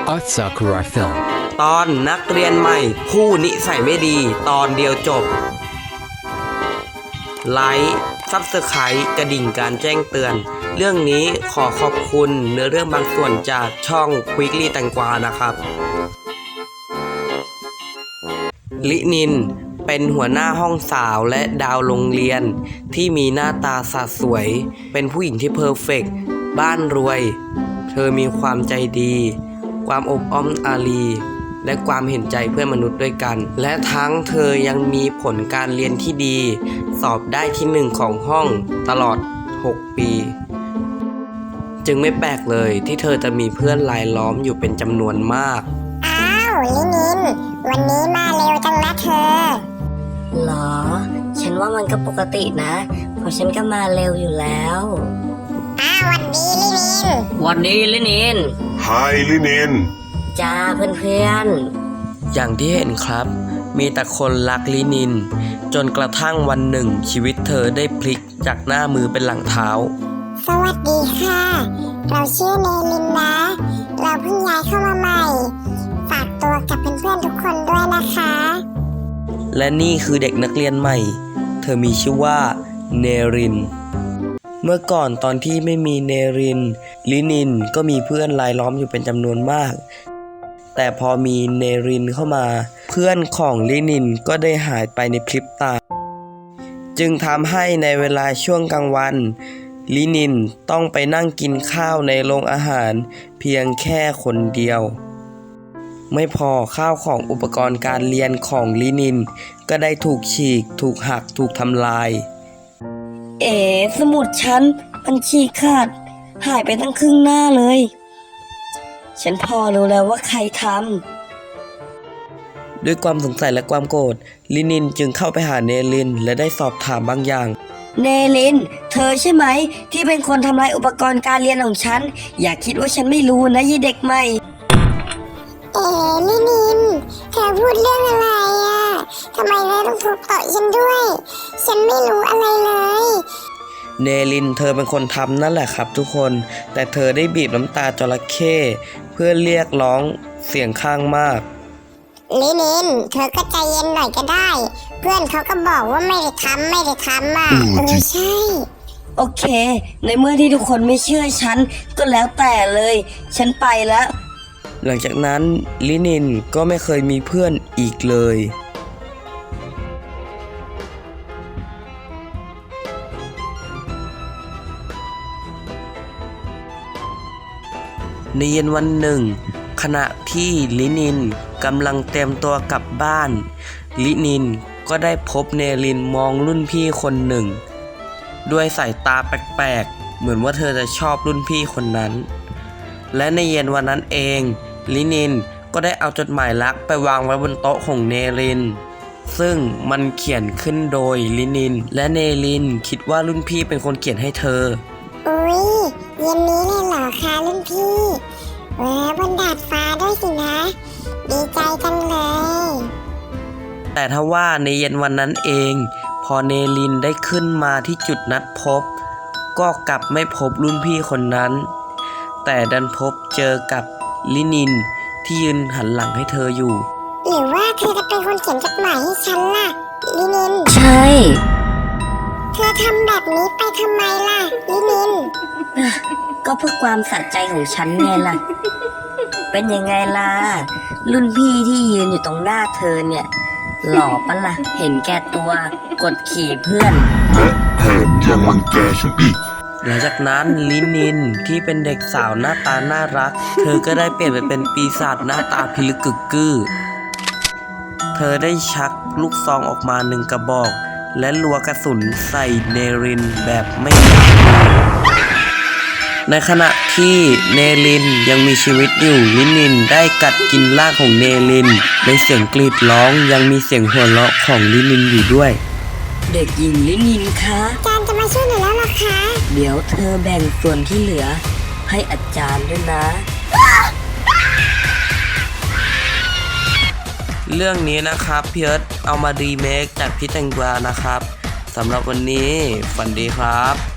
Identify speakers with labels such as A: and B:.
A: Art Sakura Film
B: ตอนนักเรียนใหม่ผู้นิสัยไม่ดีตอนเดียวจบไลค์ซับสไครต์กระดิ่งการแจ้งเตือนเรื่องนี้ขอขอบคุณเนื้อเรื่องบางส่วนจากช่องควิกลี่แตงกวานะครับลินินเป็นหัวหน้าห้องสาวและดาวโรงเรียนที่มีหน้าตาสะสวยเป็นผู้หญิงที่เพอร์เฟกต์บ้านรวยเธอมีความใจดีความอบอ้อมอารีและความเห็นใจเพื่อนมนุษย์ด้วยกันและทั้งเธอยังมีผลการเรียนที่ดีสอบได้ที่1ของห้องตลอด6ปีจึงไม่แปลกเลยที่เธอจะมีเพื่อนรายล้อมอยู่เป็นจำนวนมาก
C: อ้าวลินินวันนี้มาเร็วจังนะเธอ
D: หรอฉันว่ามันก็ปกตินะเพราะฉันก็มาเร็วอยู่แล้ว
C: วันดีลินิน
D: วันนี้ลินิน
E: ไฮลินิน
D: จ้าเพื่อน
B: อย่างที่เห็นครับมีแต่คนรักลินินจนกระทั่งวันหนึ่งชีวิตเธอได้พลิกจากหน้ามือเป็นหลังเท้า
C: สวัสดีค่ะเราชื่อเนลินนะเราเพิ่งย้ายเข้ามาใหม่ฝากตัวกับเพื่อนๆทุกคนด้วยนะคะ
B: และนี่คือเด็กนักเรียนใหม่เธอมีชื่อว่าเนรินเมื่อก่อนตอนที่ไม่มีเนรินลินินก็มีเพื่อนรายล้อมอยู่เป็นจำนวนมากแต่พอมีเนรินเข้ามาเพื่อนของลินินก็ได้หายไปในพริบตาจึงทำให้ในเวลาช่วงกลางวันลินินต้องไปนั่งกินข้าวในโรงอาหารเพียงแค่คนเดียวไม่พอข้าวของอุปกรณ์การเรียนของลินินก็ได้ถูกฉีกถูกหักถูกทำลาย
D: สมุดฉันมันฉีกขาดหายไปตั้งครึ่งหน้าเลยฉันพอรู้แล้วว่าใครท
B: ำด้วยความสงสัยและความโกรธลินินจึงเข้าไปหาเนรินและได้สอบถามบางอย่าง
D: เนลินเธอใช่ไหมที่เป็นคนทำลายอุปกรณ์การเรียนของฉันอย่าคิดว่าฉันไม่รู้นะยี่เด็กใหม่
C: ลินินเธอพูดเรื่องอะไรทำไมเธอต้องทุบโต๊ะฉันด้วยฉันไม่รู้อะไรเลย
B: เนลินเธอเป็นคนทำนั่นแหละครับทุกคนแต่เธอได้บีบน้ำตาจระเข้เพื่อเรียกร้องเสียงข้างมาก
C: ลินินเธอก็ใจเย็นหน่อยก็ได้เพื่อนเขาก็บอกว่าไม่ได้ทำใช่
D: โอเคในเมื่อที่ทุกคนไม่เชื่อฉันก็แล้วแต่เลยฉันไปแล้ว
B: หลังจากนั้นลินินก็ไม่เคยมีเพื่อนอีกเลยในเย็นวันหนึ่งขณะที่ลินินกำลังเตรียมตัวกลับบ้านลินินก็ได้พบเนรินมองรุ่นพี่คนหนึ่งด้วยสายตาแปลกๆเหมือนว่าเธอจะชอบรุ่นพี่คนนั้นและในเย็นวันนั้นเองลินินก็ได้เอาจดหมายรักไปวางไว้บนโต๊ะของเนรินซึ่งมันเขียนขึ้นโดยลินินและเนรินคิดว่ารุ่นพี่เป็นคนเขียนให้เธอ
C: อุ๊ยเย็นนี้เลยเหรอคะรุ่นพี่แหวบนดาดฟ้าด้วยสินะดีใจจังเลย
B: แต่ทว่าในเย็นวันนั้นเองพอเนรินได้ขึ้นมาที่จุดนัดพบก็กลับไม่พบรุ่นพี่คนนั้นแต่ดันพบเจอกับลินินที่ยืนหันหลังให้เธออยู่
C: หรือว่าเธอจะเป็นคนเขียนจดหมายให้ฉันล่ะลินิน
D: ใช่
C: เธอทำแบบนี้ไปทำไมล่ะลินิน
D: ก็เพื่อความสะใจของฉันไงล่ะเป็นยังไงล่ะรุ่นพี่ที่ยืนอยู่ตรงหน้าเธอเนี่ยหล่อปะล่ะเห็นแก่ตัวกดขี่เพื่อน
E: และแถมยังรังแกฉันอีก
B: หลังจากนั้นลินินที่เป็นเด็กสาวหน้าตาน่ารักเธอก็ได้เปลี่ยนไปเป็นปีศาจหน้าตาพิลึกกึกกื้อเธอได้ชักลูกซองออกมา1 กระบอกและรัวกระสุนใส่เนรินแบบไม่ยั้งในขณะที่เนรินยังมีชีวิตอยู่ลินินได้กัดกินร่างของเนรินในเสียงกรีดร้องยังมีเสียงหัวเราะของลินินอยู่ด้วย
D: เด็กหญิงลินินคะ
C: อาจารย์จะมาช่วยหนูแล้วหรอคะ
D: เดี๋ยวเธอแบ่งส่วนที่เหลือให้อาจารย์ด้วยนะ
B: เรื่องนี้นะครับพี่เอิร์ธเอามารีเมคจากพี่แตงกวานะครับสำหรับวันนี้ฝันดีครับ